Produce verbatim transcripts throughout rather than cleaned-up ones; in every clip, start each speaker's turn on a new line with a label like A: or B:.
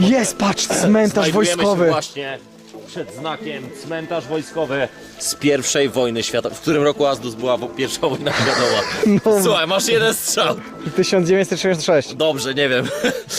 A: Jest, patrz, cmentarz
B: Znajdujemy
A: wojskowy.
B: się właśnie przed znakiem cmentarz wojskowy z pierwszej wojny światowej. W którym roku Azdus była wo- pierwsza wojna światowa?
A: No.
B: Słuchaj, masz jeden strzał.
A: tysiąc dziewięćset sześćdziesiąt sześć.
B: Dobrze, nie wiem.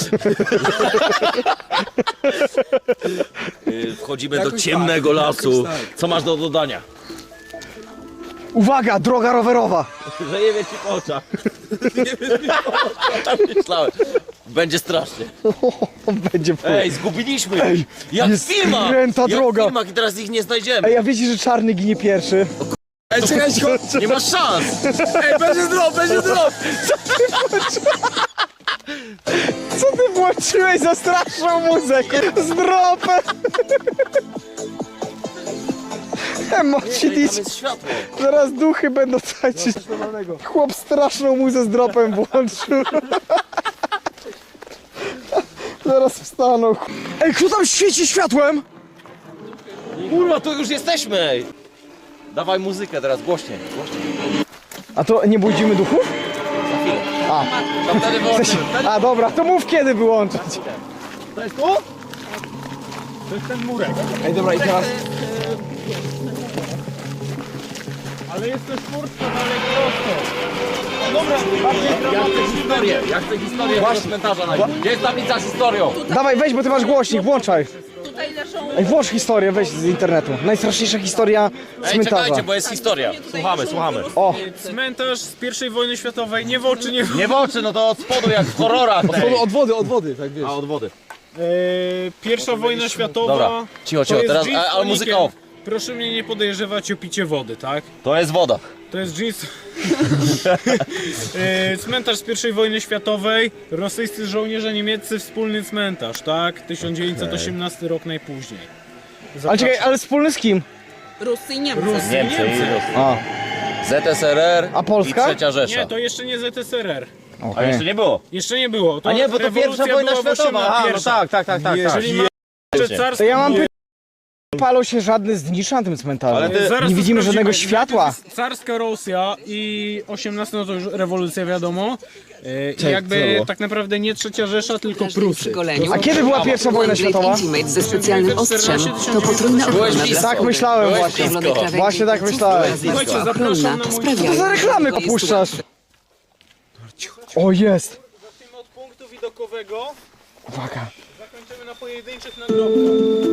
B: Y, Wchodzimy do
C: Jakoś
B: ciemnego
C: tak,
B: lasu.
C: jakoś tak.
B: Co masz do dodania?
A: Uwaga, droga rowerowa.
B: Że nie wie ci po oczach. Nie wie ci po oczach. Myślałem. Będzie strasznie.
A: Będzie pół.
B: Ej, zgubiliśmy ich. Jak
A: jest
B: w filmach.
A: skręta
B: Jak
A: droga.
B: w filmach i teraz ich nie znajdziemy.
A: Ej, a wiecie, że czarny ginie pierwszy?
C: Ej, czekaj, chodź!
B: Nie masz szans.
C: Ej, będzie drop, będzie drop!
A: Co ty włączyłeś za straszną muzykę? Z dropem! Emoci
B: Tam jest światło.
A: Zaraz duchy będą tańczyć. Chłop straszną muzę z dropem włączył. Zaraz wstaną. Ej, kto tam świeci światłem?
B: Kurwa, tu już jesteśmy. Ej. Dawaj muzykę teraz, głośniej. głośniej.
A: A to nie budzimy duchów?
B: Za chwilę.
A: A,
B: To wtedy wyłączymy.
A: a dobra, to mów kiedy wyłączyć.
B: To jest tu?
C: To jest ten murek. Ej, dobra, i teraz... Ale jest też furtka dalej prosto. O, dobra, bardziej
B: Ja chcę
C: dramatycznie
B: historię. Ja chcę historię tego cmentarza najpierw. Gdzie jest tablica z historią?
A: Dawaj, weź, bo ty masz głośnik, włączaj.
D: Tutaj leżą...
A: Ej, włącz historię, weź z internetu. Najstraszniejsza historia
B: Ej,
A: cmentarza.
B: czekajcie, bo jest historia. Słuchamy, słuchamy.
A: O,
C: Cmentarz z pierwszej wojny światowej, nie w oczy, nie w...
B: Nie w oczy, no to od spodu jak w horrorach. Ej.
C: Od wody, od wody, tak wiesz.
B: A od wody.
C: Eee, pierwsza wojna światowa...
B: Dobra, cicho, cicho,
C: to jest
B: teraz,
C: jeans
B: a- ale
C: z
B: muzyka
C: tonikiem.
B: off.
C: Proszę mnie nie podejrzewać o picie wody, tak?
B: To jest woda.
C: To jest jeans... Eee, cmentarz z pierwszej wojny światowej, rosyjscy żołnierze niemieccy, wspólny cmentarz, tak? tysiąc dziewięćset osiemnasty rok najpóźniej.
A: ale czekaj, ale wspólny z kim?
D: Rusy i Niemcy.
C: Rusy,
B: Niemcy i
C: Niemcy.
B: Rosja.
A: A,
B: Z S R R
A: A Polska?
B: i Trzecia Rzesza.
C: Nie, to jeszcze nie Z S R R.
B: A
A: okej.
B: jeszcze nie było.
C: Jeszcze nie było. To
B: A nie, bo to
C: rewolucja
B: pierwsza wojna
C: była w
B: światowa. A, no
C: osiemnastym.
B: tak, tak, tak, tak.
C: Jeżeli
B: tak.
C: ma jeszcze
A: To
C: carstwo...
A: ja mam pytanie. Palą się żadne znicze na tym cmentarzu.
B: Ale ty-
C: Zaraz
A: nie
C: to
A: widzimy żadnego
C: sprawdzimy.
A: światła.
C: Najpierw jest Carska Rosja i osiemnasty, no to już rewolucja wiadomo. E, I jakby tak naprawdę nie trzecia Rzesza, tylko
E: Przy
C: Prusy.
E: goleniu.
A: A kiedy była pierwsza wojna światowa?
E: Intimate ze specjalnym ostrzem to potrójna
B: Byłeś
E: ochrona
B: blisko.
E: dla
A: Tak myślałem
B: Byłeś
A: właśnie.
B: blisko.
E: krawędzi
A: Właśnie tak
E: pleców
A: myślałem.
E: oraz
C: Słuchajcie,
E: warstwa
C: zapraszam
E: ochronna
C: na mój-
E: sprawia,
A: Co za reklamy
E: że jest
A: puszczasz?
E: łatwiej.
A: O, jest.
C: Zacznijmy od punktu widokowego.
A: Uwaga.
C: Zakończymy na pojedynczych nagrobkach.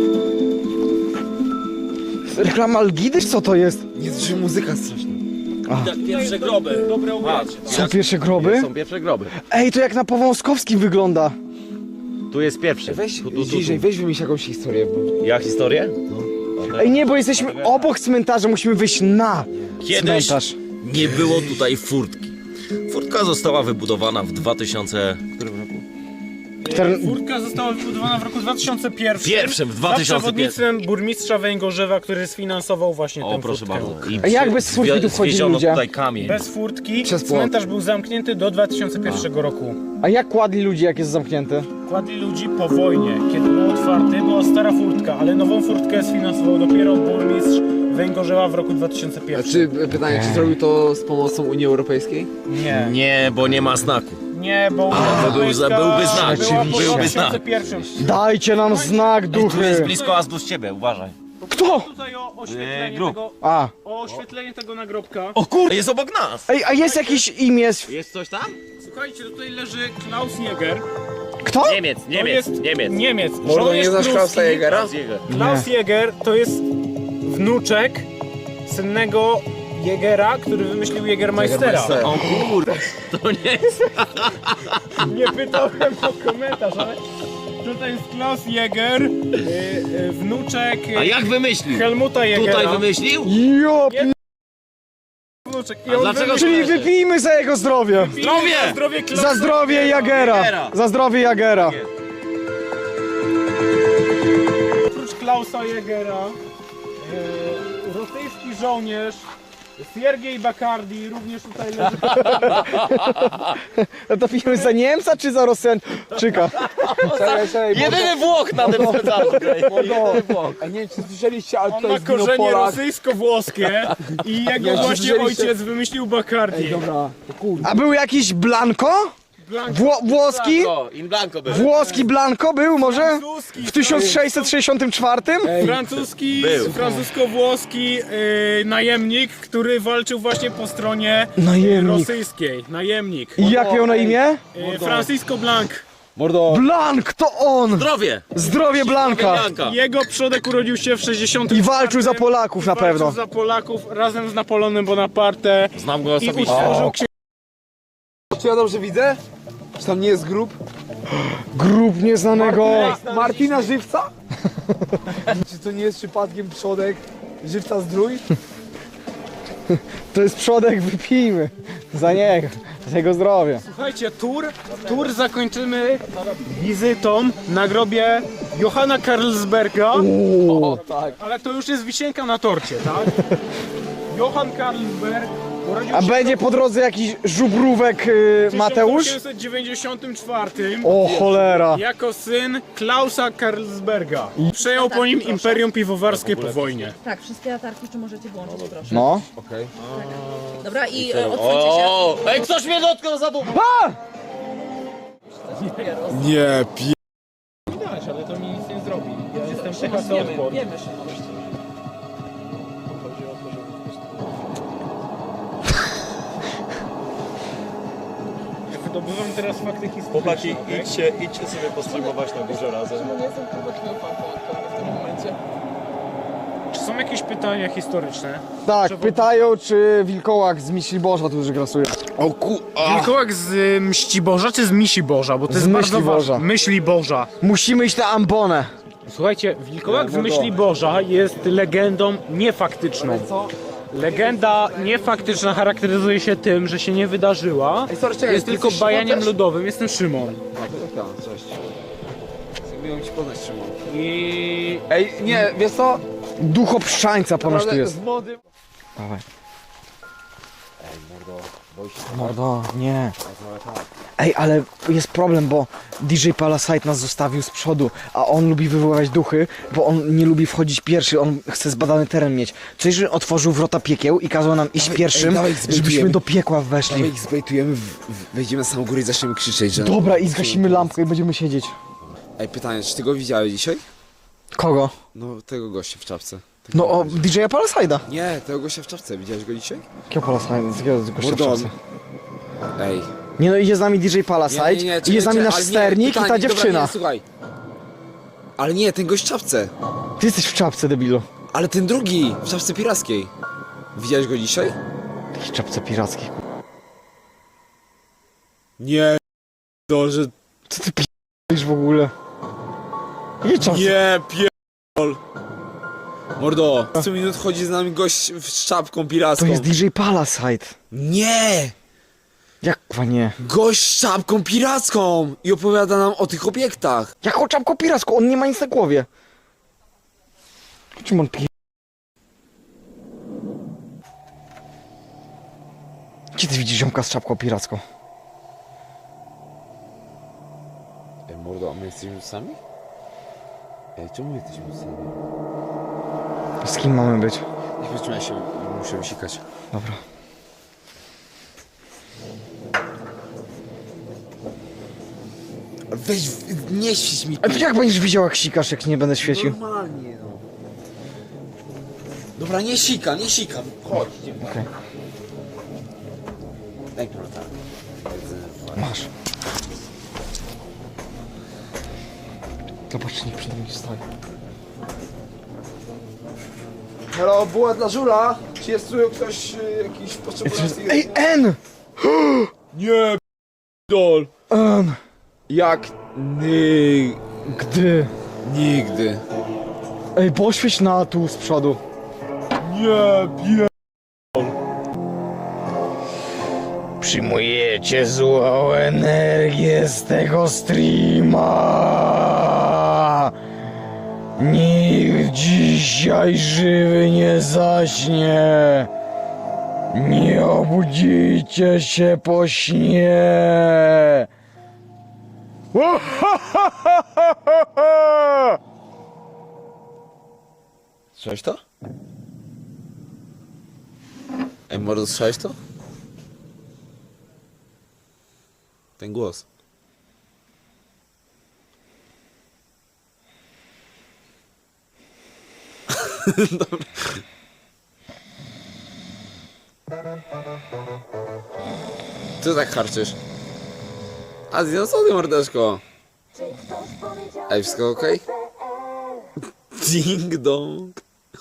A: Reklama Algidy? Co to jest?
C: Nie, że muzyka straszna.
B: Tak, pierwsze groby.
C: Dobre ubranie.
A: Są pierwsze groby?
B: Są pierwsze groby.
A: Ej, to jak na Powązkowskim wygląda.
B: Tu jest pierwszy.
F: Weź,
B: tu, tu, tu,
F: bliżej,
B: tu.
F: weź wymyśl jakąś historię, bo...
B: Ja historię?
A: Ej, nie, bo jesteśmy obok cmentarza, musimy wyjść na
B: Kiedyś
A: cmentarz.
B: nie było tutaj furtki. Furtka została wybudowana w dwa tysiące... którym roku?
A: Cztern-
C: Furtka została wybudowana w roku dwa tysiące pierwszym.
B: Pierwszym, w dwa tysiące
C: Za przewodnictwem burmistrza Węgorzewa, który sfinansował właśnie
B: O,
C: tę
B: proszę
C: furtkę.
B: bardzo. I
A: A jak bez furtki tu wchodzili
B: zwieziono
A: ludzie?
B: tutaj kamień.
C: Bez furtki
F: Przez płot.
C: cmentarz był zamknięty do dwa tysiące pierwszego roku.
A: A jak kładli ludzi, jak jest zamknięty?
C: Kładli ludzi po wojnie. Kiedy był otwarty, była stara furtka, ale nową furtkę sfinansował dopiero burmistrz Węgorzewa w roku dwa tysiące
F: A
C: pierwszym.
F: czy, pytanie, czy zrobił to z pomocą Unii Europejskiej?
C: Nie,
B: Nie, bo nie ma znaku.
C: nie, bo Unia
B: to był-
C: Europejska
B: byłby znak.
C: była po
A: Oczywiście.
C: dwa tysiące pierwszym.
A: Dajcie nam znak,
B: Tu jest
A: duchy.
B: blisko Azdus ciebie, uważaj.
A: Kto?
C: Tutaj o oświetlenie,
B: Eee, grób.
C: tego,
A: A.
C: o oświetlenie tego nagrobka.
B: O kurde, jest obok nas.
A: Ej, a jest jakieś imię?
B: Jest coś tam?
C: Słuchajcie, tutaj leży Klaus Jäger.
A: Kto?
B: Niemiec,
C: To
B: Niemiec,
C: jest
B: Niemiec.
C: Niemiec.
F: Mordo, nie
C: Żołnierz
F: znasz
C: pruski.
F: Klausa Jägera?
C: Klaus Jäger to jest wnuczek synnego Jägera, który wymyślił Jägermeistera.
F: Jägermeistera.
B: O kurde, to nie jest...
C: Nie pytałem o komentarz, ale tutaj jest Klaus Jäger, y, y, wnuczek
B: A jak wymyślił?
C: Helmuta Jägera.
B: Tutaj wymyślił?
A: Jo, p-
C: Wnuczek. I
B: A
C: on
B: dlaczego
C: wymyślił-
A: czyli wypijmy za jego zdrowie.
B: Zdrowie!
C: Za zdrowie Klausa
A: Za zdrowie Jagera.
B: Jagera.
A: Za zdrowie Jagera.
C: Oprócz Klausa Jägera, y, rosyjski żołnierz Siergiej Bakardi również tutaj leży.
A: No to pijemy za Niemca czy za Rosjanczyka?
F: Czekaj, czekaj,
B: Jedyny Włoch na tym cmentarzu. Jedyny Włoch.
F: a nie wiem, czy słyszeliście, ale
C: On
F: tutaj
C: ma
F: jest wino
C: korzenie
F: Polak.
C: rosyjsko-włoskie i jego
F: Nie,
C: właśnie
F: słyszeliście-
C: ojciec wymyślił Bacardi.
F: Ej, dobra, to kurde.
A: A był jakiś Blanco? Wło włoski?
B: O, in blanco był.
A: Włoski Blanco był może?
C: Francuski,
A: W tysiąc sześćset sześćdziesiątym czwartym?
C: Francuski,
B: Był.
C: francusko-włoski yy, najemnik, który walczył właśnie po stronie
A: Najemnik.
C: rosyjskiej. Najemnik.
A: I jak miał na imię?
C: Yy, Francisco Blanc.
F: Mordo.
A: Blank, to on!
B: Zdrowie!
A: Zdrowie Blanka!
B: Blanka.
C: Jego przodek urodził się w sześćdziesiątym
A: I walczył za Polaków na pewno.
C: Walczył za Polaków razem z Napoleonem Bonaparte
B: Znam go
C: i
B: osobiście.
C: utworzył księgę.
F: Czy ja dobrze widzę? Czy tam nie jest grób?
A: Grób nieznanego.
F: Martina Żywca? Czy to nie jest przypadkiem przodek Żywca Zdrój?
A: To jest przodek, wypijmy. Za niego, za jego zdrowie.
C: Słuchajcie, tour, tour zakończymy wizytą na grobie Johanna Carlsberga.
F: O, tak.
C: Ale to już jest wisienka na torcie, tak? Johann Carlsberg urodził
A: A
C: się
A: będzie po drodze jakiś żubrówek y,
C: w
A: Mateusz?
C: tysiąc osiemset dziewięćdziesiątym czwartym
A: O cholera.
C: jako syn Klausa Carlsberga. Przejął po nim Imperium Piwowarskie po wojnie.
D: Tak, wszystkie latarki, czy możecie włączyć, proszę.
A: No.
F: Okej.
D: Dobra, i e, odsuńcie się.
B: O, ej, ktoś mnie dotknął za bubą!
F: Nie, pi...
C: Widać, ale to mi nic nie zrobi. Ja jestem T H C Odport. Wydobywam teraz fakty historyczne.
G: Chłopaki,
C: okej?
G: idźcie, idźcie sobie postreamować na górze razem.
C: Czy są jakieś pytania historyczne?
A: Tak, pytają, czy wilkołak z Myśli Boża tu już grasuje.
F: O ku...
C: Wilkołak z y, Mści Boża czy z Misi Boża? Bo to
A: Z
C: jest bardzo
A: Myśli Boża.
C: ważne. Myśli Boża.
A: Musimy iść na ambonę.
C: Słuchajcie, Wilkołak z Myśli Boża jest legendą niefaktyczną. Legenda niefaktyczna charakteryzuje się tym, że się nie wydarzyła.
F: sorry, czekaj,
C: Jest
F: ty
C: tylko
F: jesteś
C: bajaniem
F: Szymon też?
C: ludowym. Jestem Szymon.
F: Tak, cześć. Miałem ci poznać, Szymon.
C: I
F: Ej, nie, wiesz co?
A: Ducho pszczańca ponoć tu jest.
F: Z młodym...
A: Dawaj. Mordo, nie. Ej, ale jest problem, bo D J Palasite nas zostawił z przodu, a on lubi wywoływać duchy, bo on nie lubi wchodzić pierwszy, on chce zbadany teren mieć. Co jeżeli otworzył wrota piekieł i kazał nam iść pierwszym,
F: dawaj, zbejtujemy.
A: żebyśmy do piekła
F: Dawaj
A: weszli.
F: ich zbejtujemy, w, w, wejdziemy na samą górę i zaczniemy krzyczeć, że...
A: Dobra, i zgasimy lampkę i będziemy siedzieć.
F: Ej, pytanie, czy ty go widziałeś dzisiaj?
A: Kogo?
F: No, tego gościa w czapce. Tego
A: No o
F: gościa.
A: D J Palaside'a.
F: Nie, tego gościa w czapce, widziałeś go dzisiaj?
A: Jakiego Palaside? Z jakiego gościa w
F: Mordon.
A: czapce?
F: Ej.
A: Nie no, idzie z nami D J Palasite, idzie z nami nasz
F: ale nie,
A: sternik
F: pytanie,
A: i ta dziewczyna.
F: Dobra, nie, słuchaj. Ale nie, ten gość w czapce.
A: Ty jesteś w czapce, debilu.
F: Ale ten drugi, w czapce pirackiej. Widziałeś go dzisiaj?
A: W jakiej czapce pirackiej?
F: Nie, to, że...
A: Co ty p***isz w ogóle? Jakiej czapce?
F: Nie, pierdol. Mordo, co minut chodzi z nami gość z czapką piracką.
A: To jest D J Palasite.
F: Nie!
A: Jak kwa nie?
F: Gość z czapką piracką! I opowiada nam o tych obiektach.
A: Jaką czapką piracką? On nie ma nic na głowie. Czym on pi... Gdzie ty widzisz ziomka z czapką piracką?
F: Ej, mordo, a my jesteśmy sami? Ej, czemu my jesteśmy sami?
A: Z kim mamy być?
F: Nie wytrzymaj się, muszę wysikać.
A: Dobra.
F: Weź, w- nie świeć mi
A: A ty jak będziesz widział jak sikasz, jak nie będę świecił?
F: Normalnie, no. Dobra, nie sika, nie sika. Chodź, idziemy.
A: Okej.
F: Daj prota.
A: Masz. Zobacz, nikt przed nim stoi.
F: Halo, była dla żula. Czy jest tu ktoś y, jakiś potrzebujący...
A: Ej, N!
F: Nie, dol.
A: N!
F: Jak ny...
A: Gdy?
F: Nigdy.
A: Ej, poświeć na tu z przodu.
F: Nie, pie...
A: Przyjmujecie złą energię z tego streama. Nikt dzisiaj żywy nie zaśnie. Nie obudzicie się po śnie.
F: Słyszałeś to? Ej, mordo, słyszałeś to? Ten głos. Dobra. Co tak harczysz? Azja, co ty mordeczko? Ej, wszystko okej? Ding dong.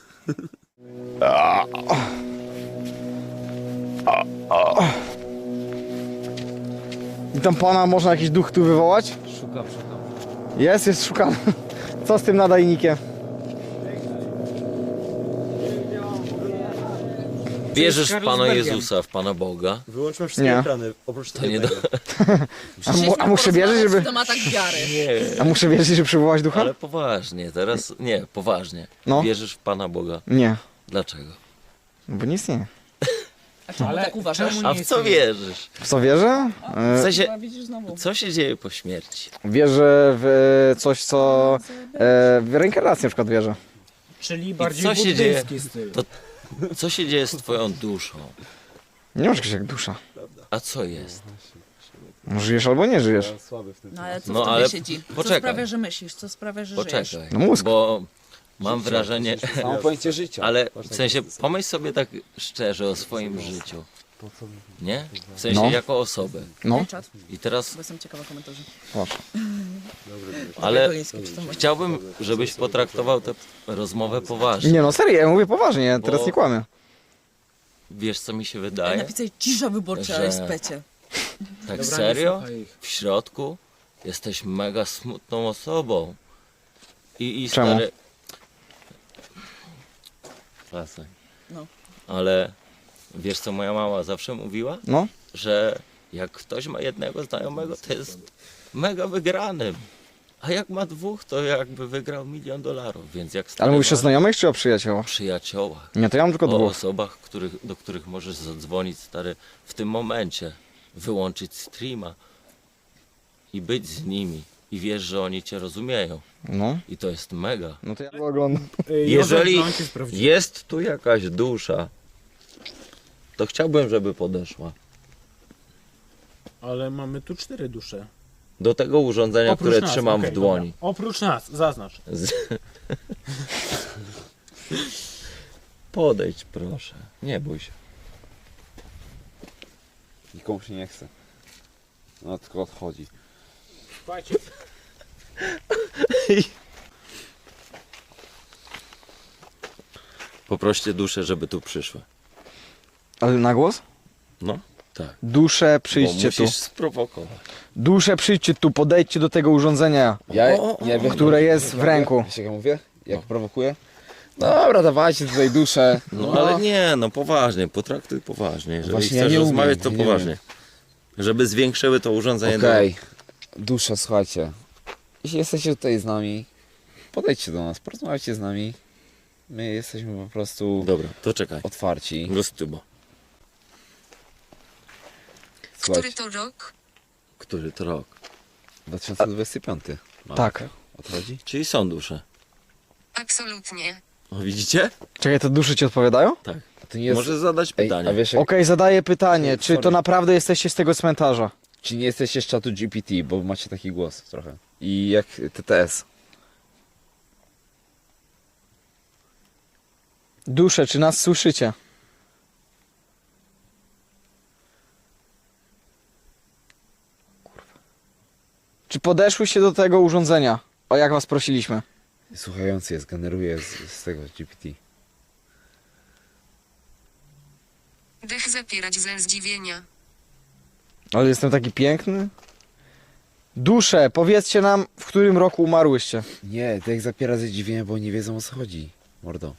A: I tam pana można jakiś duch tu wywołać?
B: Szukam, szukam.
A: Jest, jest szukany. Co z tym nadajnikiem?
B: Wierzysz w
C: Carlos
B: Pana
C: Bergiem.
B: Jezusa, w Pana Boga?
G: Wyłączmy wszystkie
A: Nie.
G: ekrany, oprócz
B: To nie do...
A: A, mu, a muszę wierzyć, żeby...
D: W tematach wiary.
B: Nie,
A: A muszę wierzyć, żeby przywołać ducha?
B: ale poważnie, teraz... Nie, poważnie.
A: No.
B: Wierzysz w Pana Boga.
A: Nie,
B: Dlaczego?
A: bo nie istnieje.
D: A czemu
C: Ale
D: tak uważasz?
C: czemu
B: A
C: nie
B: w co
C: istnieje?
B: wierzysz?
A: W co wierzę?
B: W
A: E,
B: sensie,
D: A widzisz znowu.
B: co się dzieje po śmierci?
A: wierzę w e, coś, co... E, w reinkarnację na przykład wierzę.
C: Czyli bardziej
B: co się dzieje?
C: buddyjski styl.
B: To- Co się dzieje z twoją duszą?
A: Nie masz czegoś jak dusza.
B: A co jest?
A: No, żyjesz albo nie żyjesz.
G: Słaby w tym.
D: No ale co
B: No,
D: w tobie
B: ale
D: siedzi? Co
B: poczekaj.
D: sprawia, że myślisz? Co sprawia, że żyjesz?
B: Poczekaj,
A: No mózg.
B: bo mam wrażenie,
F: Samo pojęcie życia.
B: ale w sensie pomyśl sobie tak szczerze o swoim życiu. Nie? W sensie
A: No.
B: jako osobę.
A: No,
D: Daj czat,
B: I teraz,
D: bo jestem ciekawa komentarzy.
A: proszę.
B: ale
D: Goliński, czy to masz?
B: chciałbym, żebyś potraktował tę rozmowę poważnie.
A: Nie no, serio, ja mówię poważnie, ja teraz
B: Bo-
A: nie kłamię.
B: Wiesz co mi się
D: Ej,
B: wydaje?
D: napisaj cisza wyborcza,
B: Że-
D: ale specie.
B: Tak
C: Dobra, nie
B: serio?
C: słuchaj ich.
B: W środku jesteś mega smutną osobą. I, i
A: Czemu?
B: stary... Przestań.
D: No.
B: Ale wiesz co moja mama zawsze mówiła?
A: No,
B: Że jak ktoś ma jednego znajomego, to jest mega wygranym. A jak ma dwóch, to jakby wygrał milion dolarów. Więc jak
A: ale
B: stary
A: mówisz o
B: masz
A: znajomych czy o przyjaciołach?
B: przyjaciołach,
A: Nie, to ja mam tylko
B: o
A: dwóch.
B: osobach, których, do których możesz zadzwonić, stary, w tym momencie, wyłączyć streama i być z nimi. I wiesz, że oni cię rozumieją.
A: No,
B: I to jest mega.
A: no to ja go oglądam.
C: Ej,
B: Jeżeli
C: Józef Blanc jest prawdziwy.
B: jest tu jakaś dusza, to chciałbym, żeby podeszła
C: Ale mamy tu cztery dusze.
B: do tego urządzenia,
C: Oprócz
B: które
C: nas,
B: trzymam
C: okej,
B: w dłoni.
C: Dobra. Oprócz nas, zaznacz.
B: Z... Podejdź proszę, nie bój się.
F: Nikomu się nie chce. No tylko odchodzi.
C: Słuchajcie,
B: Poproście duszę, żeby tu przyszły.
A: Ale na głos?
B: No, tak.
A: Dusze,
B: Bo
A: przyjdźcie tu.
B: musisz sprowokować.
A: Dusze, przyjdźcie tu, podejdźcie do tego urządzenia,
F: Ja, ja wiem,
A: które jest w ręku.
F: Wiesz jak ja mówię? Jak prowokuję? Dobra, dawajcie tutaj duszę.
B: No ale nie, no poważnie, potraktuj poważnie. Jeżeli
F: Właśnie ja
B: chcesz
F: nie umiem,
B: rozmawiać, to
F: ja nie
B: poważnie. Żeby zwiększyły to urządzenie
F: Okej, dusza, słuchajcie. Jeśli jesteście tutaj z nami, podejdźcie do nas, porozmawiajcie z nami. My jesteśmy po prostu
B: do... Dobra, to czekaj.
F: otwarci.
B: Gostybo.
F: Słuchajcie,
E: Który to rok?
B: Który to rok?
F: dwa tysiące dwudziesty piąty.
A: Tak.
F: O to chodzi?
B: Czyli są dusze.
E: Absolutnie.
B: O, widzicie?
A: Czekaj, te dusze ci odpowiadają?
B: Tak.
F: A to nie jest...
B: Możesz zadać
F: Ej,
B: pytanie.
F: a wiesz jak...
A: Okej, zadaję pytanie, czy to
F: Sorry.
A: naprawdę jesteście z tego cmentarza?
F: Czy nie jesteście z czatu G P T, bo macie taki głos trochę. I jak T T S.
A: Dusze, czy nas słyszycie? Czy podeszłyście do tego urządzenia? O jak was prosiliśmy?
F: Słuchający jest, generuje z, z tego G P T.
E: Dech zapierać ze zdziwienia.
A: Ale jestem taki piękny. Dusze, powiedzcie nam, w którym roku umarłyście.
F: Nie, to jak zapiera ze zdziwienia, bo nie wiedzą o co chodzi. Mordo.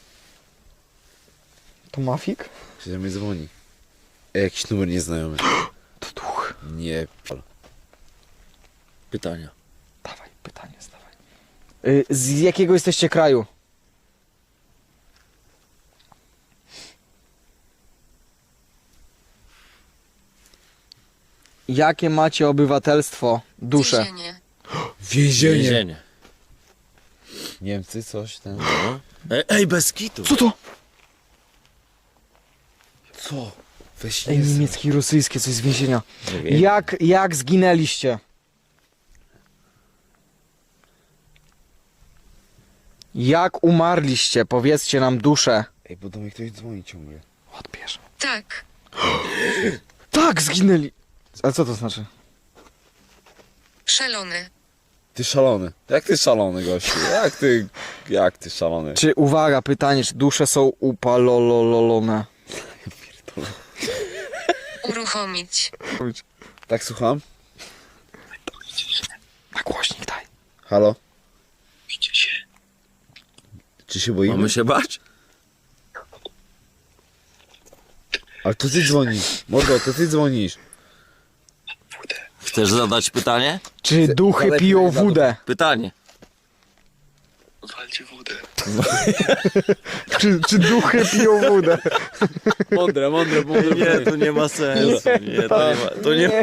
A: To Mafik?
F: Czy do mnie dzwoni? Ej, jakiś numer nieznajomy.
A: To duch.
F: Nie, pal.
B: Pytania.
A: Dawaj, pytanie zdawaj. Y, z jakiego jesteście kraju? Jakie macie obywatelstwo? Dusze.
E: Więzienie.
F: Więzienie.
B: Więzienie.
F: Niemcy, coś ten.
B: No. Ej, ej, bez kitu.
A: Co to?
F: Co? Weź
A: Ej,
F: nie
A: niemieckie i rosyjskie, coś z więzienia.
B: Nie wiem.
A: Jak, jak zginęliście? Jak umarliście? Powiedzcie nam duszę.
F: Ej, bo do mnie ktoś dzwoni ciągle.
A: Odbierz.
E: Tak.
A: Tak, zginęli! A co to znaczy?
E: Szalony.
F: Ty szalony. Jak ty szalony, gościu? Jak ty... Jak ty szalony?
A: Czy, uwaga, pytanie, czy dusze są upalololone?
E: Uruchomić.
F: Tak, słucham?
A: Na głośnik daj.
F: Halo? Czy się boimy?
B: Mamy się bać?
F: Ale to ty dzwonisz. Mordo, to ty dzwonisz.
B: Chcesz zadać pytanie?
A: Czy duchy
F: dalej
A: piją
F: powiedział.
A: wódę?
B: Pytanie.
A: Czy, czy duchy piją wódę?
F: Mądre, mądre, mądre.
B: Nie, to nie ma sensu. Nie, to nie ma, to nie